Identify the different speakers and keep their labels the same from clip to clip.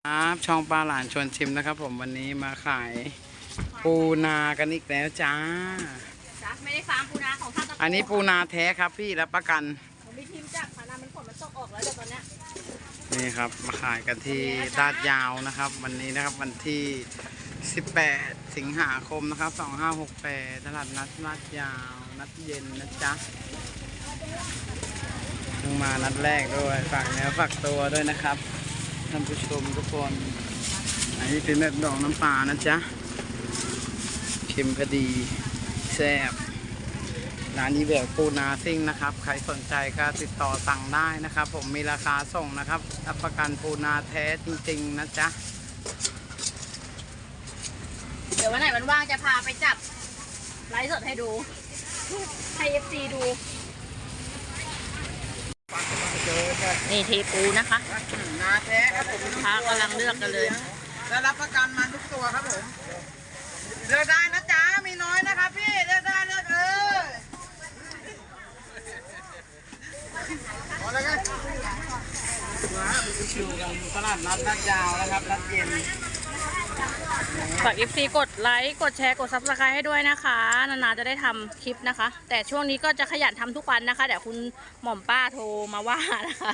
Speaker 1: ครับช่องปลาหลานชวนชิมนะครับผมวันนี้มาขายปูนากันอีกแล้วจ้า
Speaker 2: ไม่ได้ฟาร์มปูนาของท่าน
Speaker 1: อันนี้ปูนาแท้ครับพี่รับประกัน
Speaker 2: ผมมีทีมจากพานามันฝนมันตกออกแล้วเดี๋ยวตอนนี้
Speaker 1: นี่ครับมาขายกันที่ลาดยาวนะครับวันนี้นะครับวันที่18สิงหาคมนะครับ2568ตลาดนัดลาดยาวนัดเย็นนะจ๊ะเพิ่งมานัดแรกด้วยฝากเนื้อฝากตัวด้วยนะครับท่านผู้ชมทุกคนอันนี้เป็นแบบดองน้ำปลานะจ๊ะเค็มพอดีแซ่บร้านนี้แบบปูนาซิ่งนะครับใครสนใจก็ติดต่อสั่งได้นะครับผมมีราคาส่งนะครับรับประกันปูนาแท้จริงๆนะจ๊ะ
Speaker 2: เดี๋ยววันไหนวันว่างจะพาไปจับไลฟ์สดให้ดูให้ FC ดูนี่เทปูนะคะ
Speaker 1: นาแท้ครับผม
Speaker 2: ลูกค้ากำลังเลือกกันเลย
Speaker 1: และรับประกันมันทุกตัวครับผมเลือกได้นะจ๊ะมีน้อยนะครับพี่เลือกได้เลือกเลยพอแล้วกันอยู่กันตลาดนัดลาดยาวนะครับนัดเย็น
Speaker 2: ฝาก FC กดไลค์กดแชร์กด Subscribe ให้ด้วยนะคะนานๆจะได้ทำคลิปนะคะแต่ช่วงนี้ก็จะขยันทำทุกวันนะคะเดี๋ยวคุณหม่อมป้าโทรมาว่านะคะ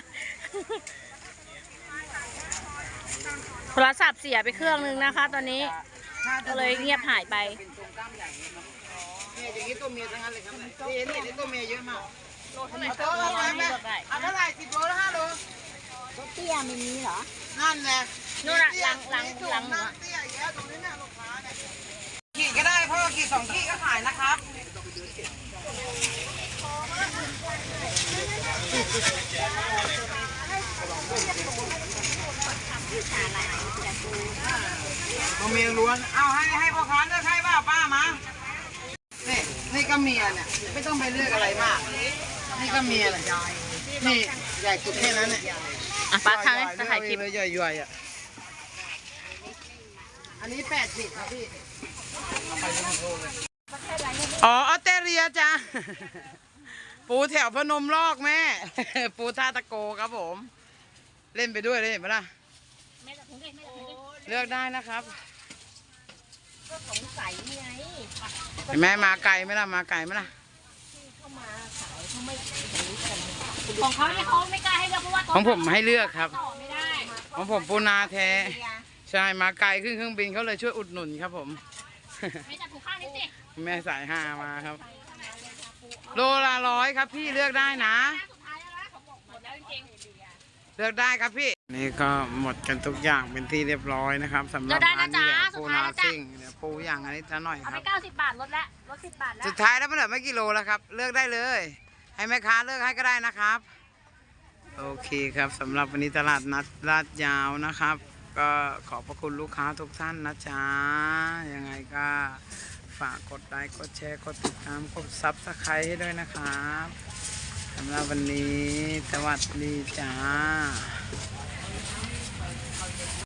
Speaker 2: โทรศัพท์เสียไปเครื่องนึงนะคะตอนนี้ก็เลยเงียบหายไป
Speaker 1: เนี่ยอย่างนี้ตัวเมียทั้งนั้นเลยครับนี่ตัวเมียเยอะมาก
Speaker 2: โลเท่าไหร่
Speaker 1: เอาเท่าไหร่10 โลแล้ว5 โล
Speaker 2: รถเตี้ยไม่มีเหรอ
Speaker 1: นั่นแหละ
Speaker 2: นู่นน่ะหลัง
Speaker 1: เตี้ยเยอะตรงนี้เนี่ยลูกค้าเนี่ยขีดก็ได้พ่อขีด2 ขีดก็ขายนะครับตัวเมียล้วนเอาให้พ่อค้าเลือกให้ป้ามานี่ก็เมียเนี่ยไม่ต้องไปเลือกอะไรมากนี่ก็เมียเลยนี่ใหญ่สุดแค่นั้นเนี่ย
Speaker 2: ป้าทางจะถ่ายคลิป
Speaker 1: ใหญ่ๆอ่ะอันนี้80ครับพี่อ๋อออสเตรเลียจ้ะปูแถวพนมลอกแม่ปูท่าตะโกครับผมเล่นไปด้วยเลยเห็นไหมล่ะเลือกได้นะครับ
Speaker 2: ก็สงสัยไง
Speaker 1: เห็นไหมมาไกลไหมล่ะมาไกลไหมล่ะ
Speaker 2: เข้ามาขายเขาไม่ของเขาเนี่ยเขาไม่กล้าให้เลือกเพราะว่า
Speaker 1: ของผมให้เลือกครับ
Speaker 2: ไม่ได้
Speaker 1: ของผมปูนาแท้ใช่มาไกลขึ้นเครื่องบินเขาเลยช่วยอุดหนุนครับผม
Speaker 2: ไม่จับถูกข้างนี้สิ
Speaker 1: แม่สาย5มาครับโลละ100ครับพี่เลือกได้นะเลือกได้ครับพี่นี่ก็หมดกันทุกอย่างเป็นที่เรียบร้อยนะครับสำหรับร้านนี้ปูนาซิ่งเดี๋ยวปูอย่างอันนี้จะหน่อยครับ
Speaker 2: เอาไป90 บาทลดแล้วลด10 บาทแล้ว
Speaker 1: สุดท้ายแล้วมันเหลือไม่กี่โลแล้วครับเลือกได้เลยให้แม่ค้าเลือกให้ก็ได้นะครับโอเคครับสำหรับวันนี้ตลาดนัดลาดยาวนะครับก็ขอบพระคุณลูกค้าทุกท่านนะจ๊ะยังไงก็ฝากกดไลค์กดแชร์กดติดตามกดซับสไครต์ให้ด้วยนะครับสำหรับวันนี้สวัสดีจ้า